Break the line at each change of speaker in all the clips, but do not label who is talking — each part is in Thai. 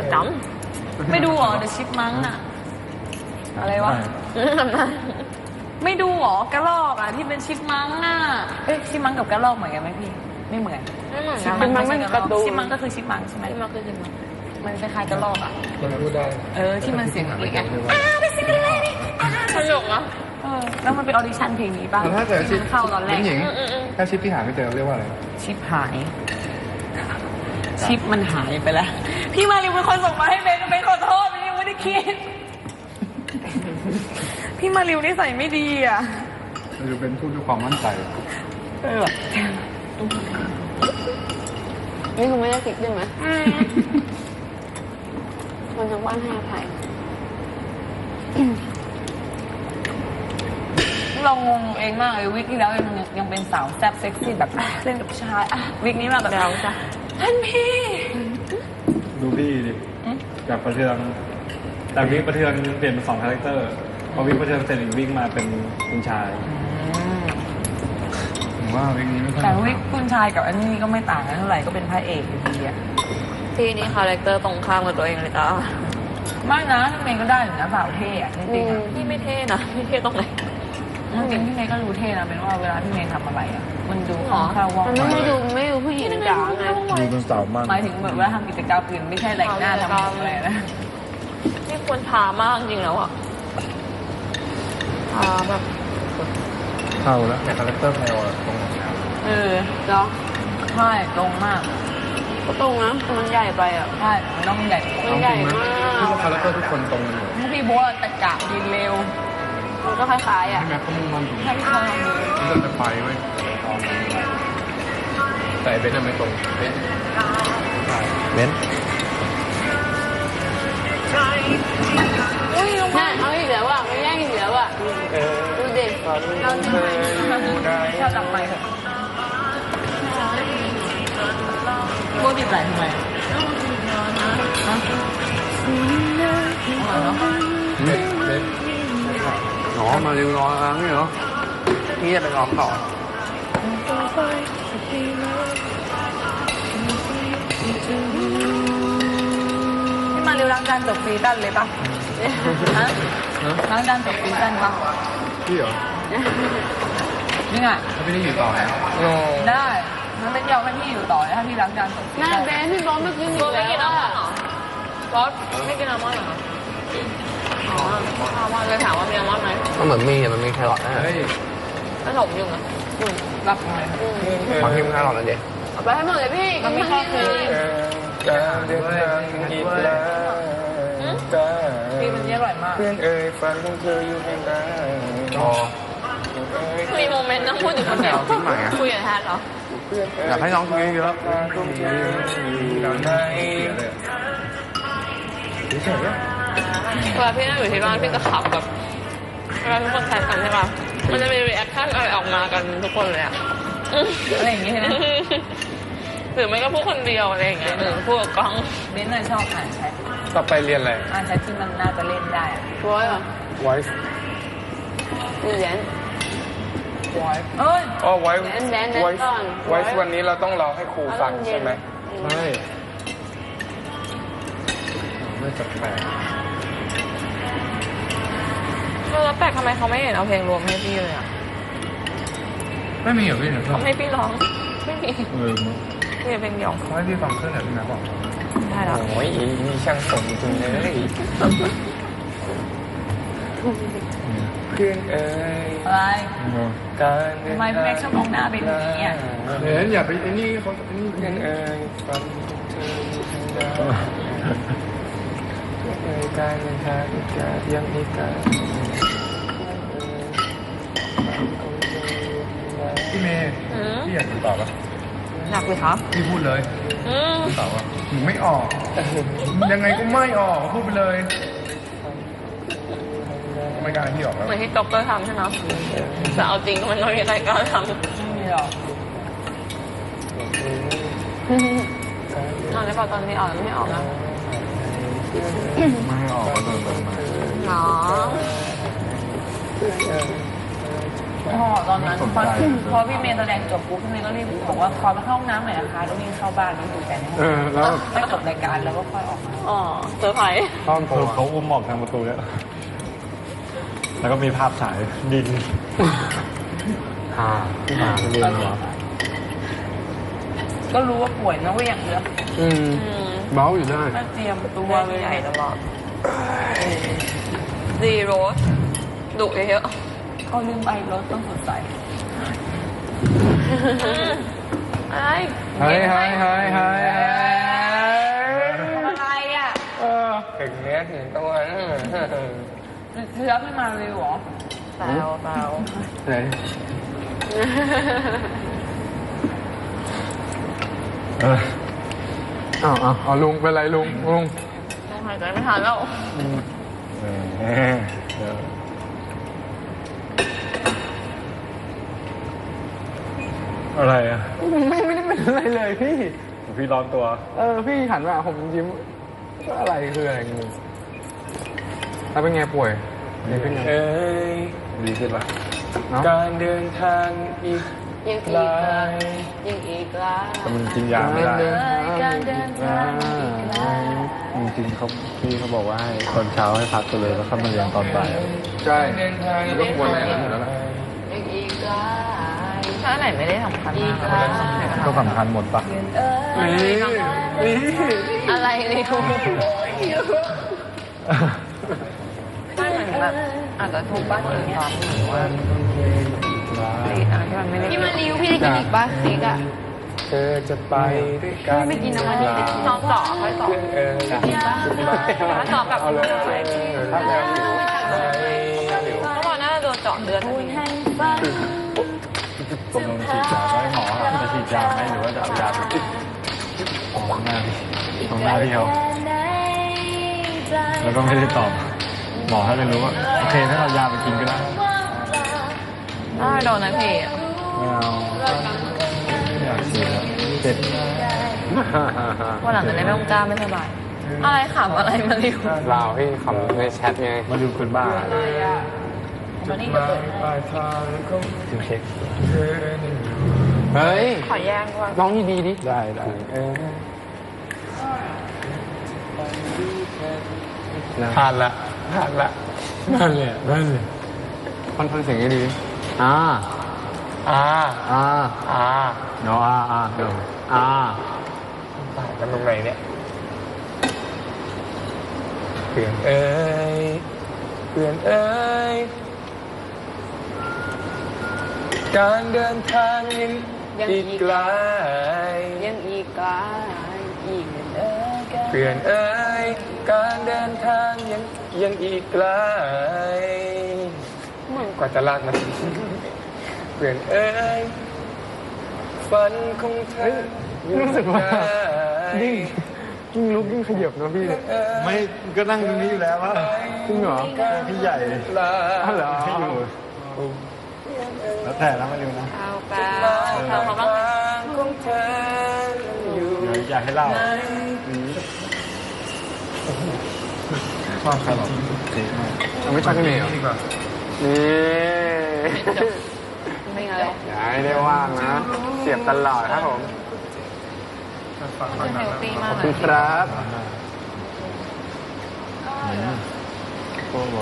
จำไม่ดูเหรอ The Chipmunk อะอะไรวะไม่ดูเหรอกระรอกอะที่เป็นชิปมังอะเอ้ยชิปมังกับกระรอกเหมือนกันไหมพี่ไม่เหมือนชิปมังไม่ใช่กระรอกชิปมังก็คือชิปมังใช่ไหมชิปมังคือชิปมังมันคล้ายๆกระรอกอะ
มันพูดได้
ที่มันเสียงเอกอะไม่สิเป็นไรนี่สนุกอะแล้วมันเป็นออดิชั่นเพลงนี้ป่ะ
ถ้าเกิดชิป
เข้าตอนแรก
ถ้าชิปที่หาไม่เจอเรียกว่าอะไร
ชิปหายชิปมันหายไปแล้วพี่มาริวเป็นคนส่งมาให้เบนขอโทษเบนยังไม่ได้คิดพี่มาริวนิสัยไม่ดีอ่ะ
มาริวเป็นพูดด้วยความมั่นใจ
นี่คุณไม่ได้คิดใช่ไหมคนทั้งบ้านให้อภัย
เรางงเองมากเลยวิกที่แล้วยังเป็นสาวแซ่บเซ็กซี่แบบเล่นกับผู้ชายวิกนี้มาแบบเราจ้ะท่านพี่
ดูพี่ดิจากประเทืองแต่วิกประเทืองเปลี่ยนเป็น2 คาแรคเตอร์พอวิกประเทืองเสร็จอีกวิกมาเป็นคุณชายผมว่าวิกนี้ไม่ค่อย
แต่วิกคุณชายกับอันนี้ก็ไม่ต่างกันเท่าไหร่ก็เป็นพระเอกอยู่ดีอะ
พี่นี่คาแรคเตอร์ตรงข้ามกับตัวเองเลยจ้า
ไม่นะพี่เมย์ก็ได้อยู่นะสาวเท่อะจริง
ๆพี่ไม่เท่นะพี่เท่ตรงไหน
จริงพี่เมย์ก็ดูเท่นะเป็นว่าเวลาพี่เมย์ทำอะไรอะมันดูของข้าวว่อง
มันไม่ดูผู้หญิงจ๋าไง
ดูเป็นสาวมาก
หมายถึงแบบว่าทำกิจกรรมอื่นไม่ใช่แต่งหน้าทำอะไรนะ
นี่ควรทามากจริงแล้วอะทาแบบ
เข้าแล้วแต่คาแรคเตอร์แพลวตรงไหน
เนาะ
ใช่ตรงมาก
ก็ตรงนะมันใหญ่ไปอ่ะ
ใช่มันต้องใหญ่
มันใหญ่มาก
ที่คาแรคเตอร์ทุกคนตรงกันหมด
พี่บัวตะกะดีเร็ว
มันก็คล้ายๆอ่ะ
ใช่ไหมเขามุ่งมั่น
ใช่ใช่
ที่จะไปไว้แต่เบนซ์ไม่ตรงเบนซ์
น่าเอาอีกแล้วอ่ะไม่แย่งอีกแล้วอ่ะดูเด็ก
เราจะไปเราจับไปเถอะโบติดไหลทำไม
น้องมาเร็วรอแล้วนี่เหรอนี่จะไปร้องต่อ
พี่มาเร็วล้างจานจบซีซั่นเลยปะฮะล้างจานจบซีซั่นปะ
พี่เหรอ
นี่ไง
ถ้าพี่ได้อยู่ต่อแล้ว
ได้มันเป็นยาวให้พี่อยู่ต่อเลยถ้าพี่ล้างจานจบ
น่าเบนพี่บอสไม่กินอีกแล้วบอสไม่กินอัลมอนด์เหรออัลมอนด์เลยถามว่ามีอัลมอนด์ไหม
ก็เหมือนมันมีแครอทนะ
ขนมอยู่นะ
รับเลย
บางทีมันแครอทนะเจ๊
เอาไปให้หมดเลยพี่
มันไม่ชอบคือพี่มันอร่อยมาก
เพื่อนฝันของเธออยู่แห่งใด
มีโมเมนต์นั่งพูดอยู่คนเดียวคุยกับแทนเหรอ
อยากให้น้องคุยเยอะ
เวลาพี่นั่งอยู่ที่บ้านพี่จะขับแบบเวลาทุกคนแชทกันใช่ป่ะมันจะมีรีแอคชั่นอะไรออกมากันทุกคนเลยอะ
อะไรอย่างงี้ใช่ไหม
หรือไม่ก็พูดคนเดียวอะไรอย่างเงี้ยหรือพูดกับกล้อง
เบนน่ะชอบอ่านแชท
ต่อไปเรียนอะไร
อ่านแชทที่มันน่าจะเล่นได้
voice
เรียน
voice voice วันนี้เราต้องรอให้ครูฟังใช่ไหมใช่ไม่จัดแปลก
แล้วแปลกทำไมเขาไม่เห็นเอาเพลงรวมให้พี่เลยอ่ะ
ไม่มีเหรอพี่เนี่ย
เขาให้พี่ร้องไม่มีพี่เพลงเดียว
เขาให้พี่ฟังเครื่องไหนพี่แม่บอก
ได้แล้ว
โอ้ยมีช่างสมจริงเลยเพื่อน
อะไรทำไมพี่แม็กชอบมองหน้าเป็นอย่างนี้อ่ะ
อย่าไปไอ้นี่เขาไอ้นี่เพื่อนฟังการเดินทางการยังอีกการพี่เมย์พี่อยากตอบปะ
อยากเลยครับ
พี่พูดเลยตอบว่าหนูไม่ออกยังไงก็ไม่ออกพูดไปเลยไม่กล้าพี่ออกแล้ว
เหมือนที่จ็อกเกอร์ทำใช่ไหมแต่เอาจริงมันไม่มีใครกล้าทำ
ไม่มีหรอก
ตอนนี้ตอนนี้ออกไม่ออกนะ
ไม่ออกก็โดนมา
เนาะ
อ๋อตอนนั้นพอพี่เมย์แสดงจบปุ๊บพี่เมย์ก็รีบบอกว่าขอไปเข้าห้องน้ำหน่อยนะคะแล้ววิ่งเข้าบ้านแล้วดูแฟน
แล้ว
ไม่จบรายการแล้วก็ค่อยออกมา
อ๋อเซอร์ไพรส์
ตอนเขาอุ้มออกทางประตูเนี่ยแล้วก็มีภาพฉายดินที่มาเรียนเหรอ
ก็รู้ว่าป่วยนะว่าอย่างเดียว
เบ้าอยู่ได้
มาเตรียมตัวเลย
ใหญ่ตลอดดีโรสดุเยอะ
ก็ลืมไปรถต้องสดใส
อะไร
เฮ้ย
อะไรอ่ะ
ถึงเนี้ยถึงตัว
เชื้อไม่มาเลยหรอ
เปล่า
ไหนเอาลุงเป็นไรลุง
ต้องหายใจไม่ทันแล้ว
อะไรอ่ะ
ไม่ได้เป็นอะไรเลยพี่
พี่ร้อนตัว
พี่หันมาผมยิ้มอะไรคืออะไรงงแล้วเป็นไงป่วยดีขึ้นยัง
ดีขึ้นปะ
การเดินทางอีก
ยังอีกละ
แต่มันกินยาไม่ได้
การเดินทางอีกไกล
จริงๆเขาบอกว่าให้ตอนเช้าให้พักไปเลยแล้วค่อยมาเรียนตอนบ่าย
ใช่มันก็ควรอย่างนั้นอยู่แล้วล่ะ
ยังอีกละถ้าไหนไม่ได้สำคัญมาก
ก็สำคัญหมดปะ
อะไรเลยคุณบ้านเหมือนแบบอาจจะทุกบ้านอื่นซ้อมหรือว่าที่มันริ้วพี่ได้กินอีกป่ะเค้กอ่ะ
เธอจะไปด้วยกัน
ไม่กินน้ำมันนี่ซ้อมต่อค่อยต่อกินป่ะต่อกับ
เอาเลยถ้าแมวหิว
เมื่อวานน่าจะโดนเจาะเลือด
ตกลงฉีดยาไหมหมอจะฉีดยาไหมหรือว่าจะเอายาไปติดของหน้าพี่เขาแล้วก็ไม่ได้ตอบ หมอให้ไปรู้ว่าโอเคถ้าเรายาไปกินก็ได้
โดนนะพี่
ไม่เอาไม่อยากฉีดแล้วเจ็บ
วันหลังจะได้ไม่ต้องกล้าไม่สบาย อะไรขำอะไรมาริว
ลาวพี่ขำในแชทไง
มาดูคนบ้า
วันนี้จะเปิดให้
กินเค้ก
เฮ้ย
ขอแย่งว่า
ร้องดีๆดิ
ได้
ผ่านละนั่นเลย
ค่อนข้างเสียงดี
อ่า
เนาะเดี๋ยว
ต่างกันตรงไหนเนี่ยเพื่อนเอ้ยการเดินทางยังอีกไกล
ยังอีกไกลอีก
เพื่อนเอ้ยการเดินทางยังอีกไกลกว่าจะลากมาเพื่อนเอ้ยฝันของเธอรู้สึกว่ายิ่งลุกยิ่งขยับนะพี่
ไม่ก็นั่งตรงนี้อยู่แล้วว่า
จริงเหรอ
พี่ใหญ่
อ้าวเหรอ
ที่อยู่แล้วแต่แล้วมาดูนะ
เอาเปล่าทำเขาบ้าง
ของเธออยู่
เดี๋ยวอยากให้เล่าชอบขนมเค้กมาก
เอาไม่ตั้งกันเองเหรอนี่
ไม่ไง
อย่าให้ได้ว่างนะ เสียบตลอดครับผม
เฮลตี้มา
ข
ก
อบ
เล
คุ
ย
ณครับ
โอ้โห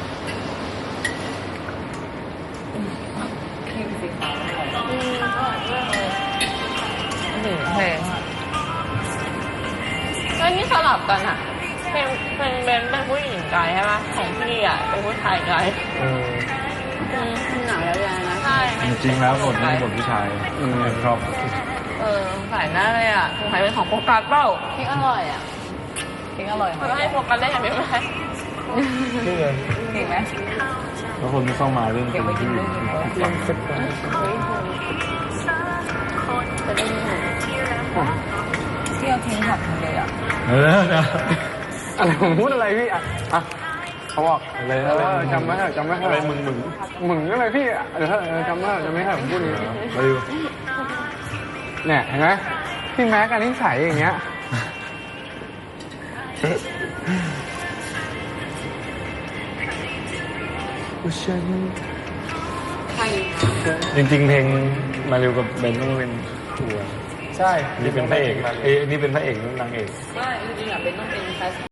ครีมสีขาว
เพลงแล้วนี่สลับกันอ่ะเพลงเบนเป็นผู้หญิงไกด์ใช่ไหมของพี่อ่ะเป็นผู้ชายไกด์หนังแล้วยังนะใช่
จริงๆแล้วบทนี้บทผู้ชายชอบ
ใส่หน้าเลยอ่ะสงสัยเป็นของโฟกัสเปล่า
เค้กอร่อยอ่ะเค้กอร่อย
มันให้โฟกัสได้ยังไม่ได้
นี่เลย
เก่งไหม
แล้วคนที่เข้ามาเรื่อง
เก็บไว้กินด้วยกินด้วย
ฟัง
เที่ยวทิ้งหักเลยอ่ะ
อะไรผมพูดอะไรพี่อ่ะเขาบอกอะไรจำไม่ได้จำไม่ได้
อะไรมึง
อะไรพี่อ่ะจำไม่ได้จำไม่ได้ผมพูดอย่างนี้
มาดู
เนี่ยเห็นไหมพี่แม็กอันนี้ใสอย่างเงี้ย
ใคร
จริงๆเพลงมาเร็วกับเบนต้องเป็นตัว
ใช่
นี่เป็นพระเอกนี่เป็นพระเอกนี่นางเอก
ไม่จริงๆอ่ะเป็นต้องเป็น